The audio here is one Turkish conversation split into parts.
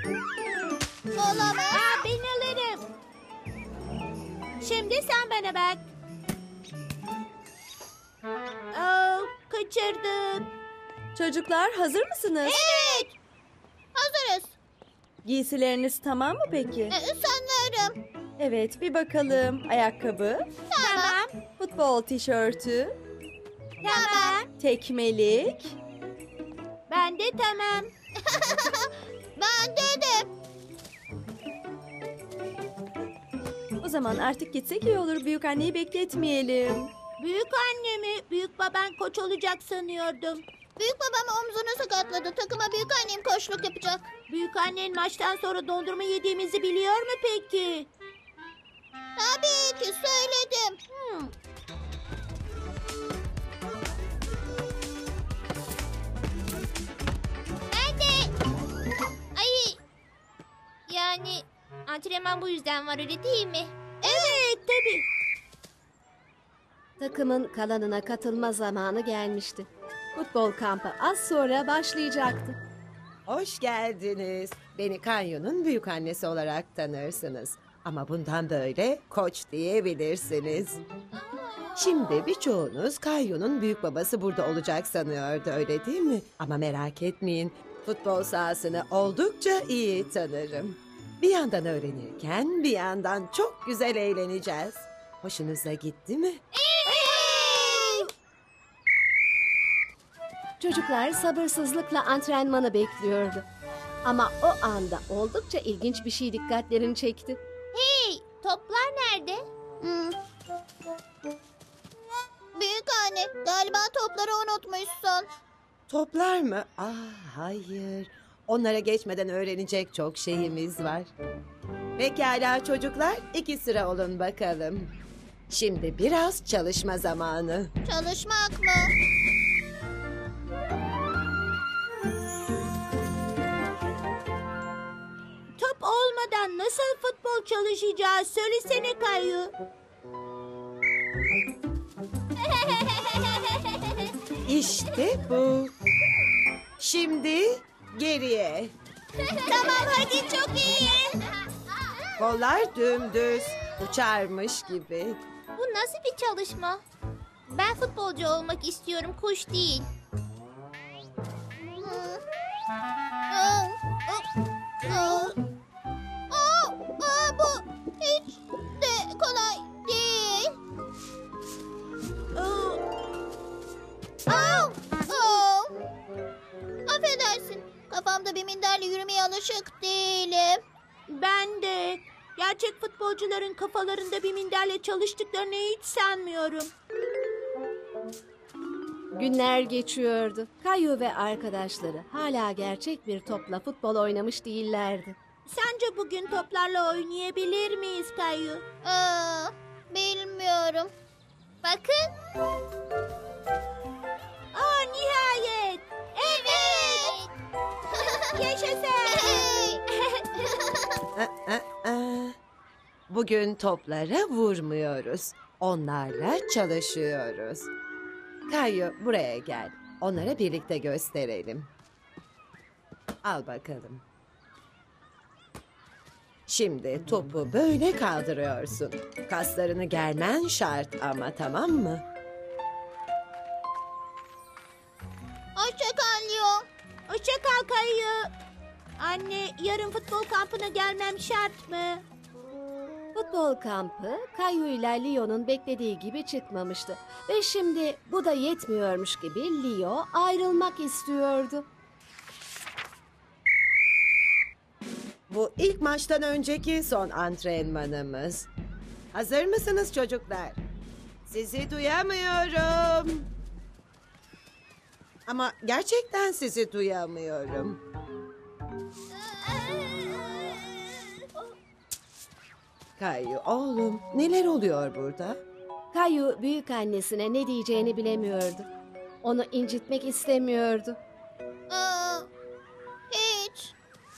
Olamaz. Ben alırım. Şimdi sen bana bak. Kaçırdım. Çocuklar hazır mısınız? Evet. Hazırız. Giysileriniz tamam mı peki? Sanırım. Evet, bir bakalım. Ayakkabı, Tamam. futbol tişörtü, Tamam. tekmelik. Ben de tamam. Bende de. O zaman artık gitsek iyi olur. Büyük anneyi bekletmeyelim. Büyük annemi, büyük baban koç olacak sanıyordum. Büyük babam omzunu sakatladı. Takıma büyük annem koçluk yapacak. Büyük annen maçtan sonra dondurma yediğimizi biliyor mu peki? Tabii ki söyledim. Ben de. Ay. Yani antrenman bu yüzden var öyle değil mi? Evet tabii. Takımın kalanına katılma zamanı gelmişti. Futbol kampı az sonra başlayacaktı. Hoş geldiniz. Beni Kanyo'nun büyük annesi olarak tanırsınız. Ama bundan böyle koç diyebilirsiniz. Şimdi birçoğunuz Kanyo'nun büyük babası burada olacak sanıyordu, öyle değil mi? Ama merak etmeyin, futbol sahasını oldukça iyi tanırım. Bir yandan öğrenirken bir yandan çok güzel eğleneceğiz. Hoşunuza gitti mi? Çocuklar sabırsızlıkla antrenmanı bekliyordu. Ama o anda oldukça ilginç bir şey dikkatlerini çekti. Hey, toplar nerede? Büyük anne, galiba topları unutmuşsun. Toplar mı? Hayır. Onlara geçmeden öğrenecek çok şeyimiz var. Pekala çocuklar, 2 sıra olun bakalım. Şimdi biraz çalışma zamanı. Çalışmak mı? Top olmadan nasıl futbol çalışacağız? Söylesene Kayu. İşte bu. Şimdi geriye. Tamam hadi çok iyi. Kollar dümdüz, uçarmış gibi. Bu nasıl bir çalışma? Ben futbolcu olmak istiyorum, kuş değil. Bu hiç de kolay değil. Affedersin, kafamda bir minderle yürümeye alışık değilim. Ben de. Gerçek futbolcuların kafalarında bir minderle çalıştıklarını hiç sanmıyorum. Günler geçiyordu. Kayu ve arkadaşları hala gerçek bir topla futbol oynamış değillerdi. Sence bugün toplarla oynayabilir miyiz Kayu? Bilmiyorum. Bakın. Nihayet. Evet. Yaşasın. Bugün toplara vurmuyoruz. Onlarla çalışıyoruz. Kayu buraya gel. Onlara birlikte gösterelim. Al bakalım. Şimdi topu böyle kaldırıyorsun. Kaslarını germen şart ama, tamam mı? Hoşça kal Leo. Hoşça kal Kayu. Anne, yarın futbol kampına gelmem şart mı? Futbol kampı Kayu ile Leo'nun beklediği gibi çıkmamıştı. Ve şimdi bu da yetmiyormuş gibi Leo ayrılmak istiyordu. Bu ilk maçtan önceki son antrenmanımız. Hazır mısınız çocuklar? Sizi duyamıyorum. Ama gerçekten sizi duyamıyorum. Kayu oğlum, neler oluyor burada? Kayu büyük annesine ne diyeceğini bilemiyordu. Onu incitmek istemiyordu. Hiç.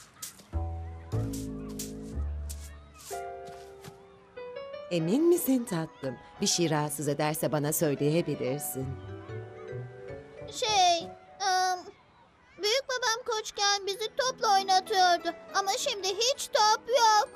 Emin misin tatlım? Bir şey rahatsız ederse bana söyleyebilirsin. Büyük babam koçken bizi topla oynatıyordu. vardı ama şimdi hiç top yok.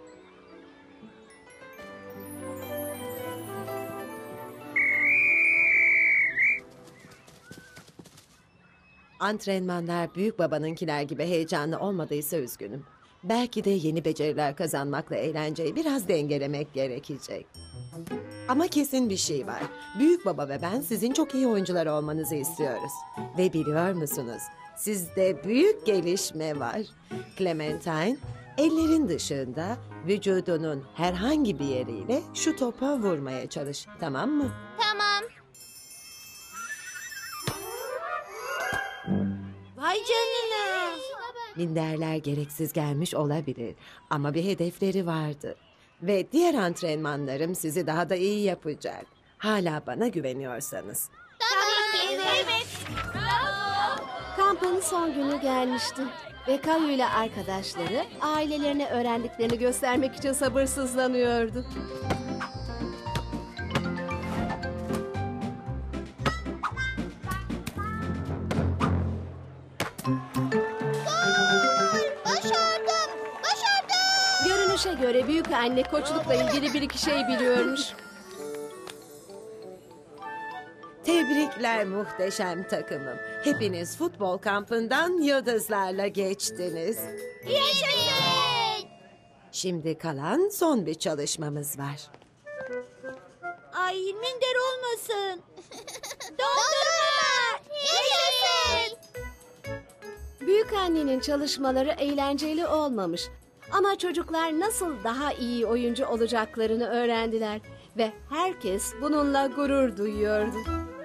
Antrenmanlar büyük babanınkiler gibi heyecanlı olmadıysa üzgünüm. Belki de yeni beceriler kazanmakla eğlenceyi biraz dengelemek gerekecek. Ama kesin bir şey var. Büyük baba ve ben sizin çok iyi oyuncular olmanızı istiyoruz. Ve biliyor musunuz? Sizde büyük gelişme var. Clementine, ellerin dışında vücudunun herhangi bir yeriyle şu topa vurmaya çalış. Tamam mı? Tamam. Vay canına. Minderler gereksiz gelmiş olabilir ama bir hedefleri vardı. Ve diğer antrenmanlarım sizi daha da iyi yapacak. Hala bana güveniyorsanız. Evet. Kampın son günü gelmişti ve Kayu ile arkadaşları ailelerine öğrendiklerini göstermek için sabırsızlanıyordu. Başardım. Başardım. Görünüşe göre büyük anne koçlukla ilgili bir iki şey biliyormuş. Tebrikler muhteşem takımım. Hepiniz futbol kampından yıldızlarla geçtiniz. Yaşasın. Şimdi kalan son bir çalışmamız var. Ay minder olmasın. Dondurma. Yaşasın. Büyük annenin çalışmaları eğlenceli olmamış. Ama çocuklar nasıl daha iyi oyuncu olacaklarını öğrendiler ve herkes bununla gurur duyuyordu.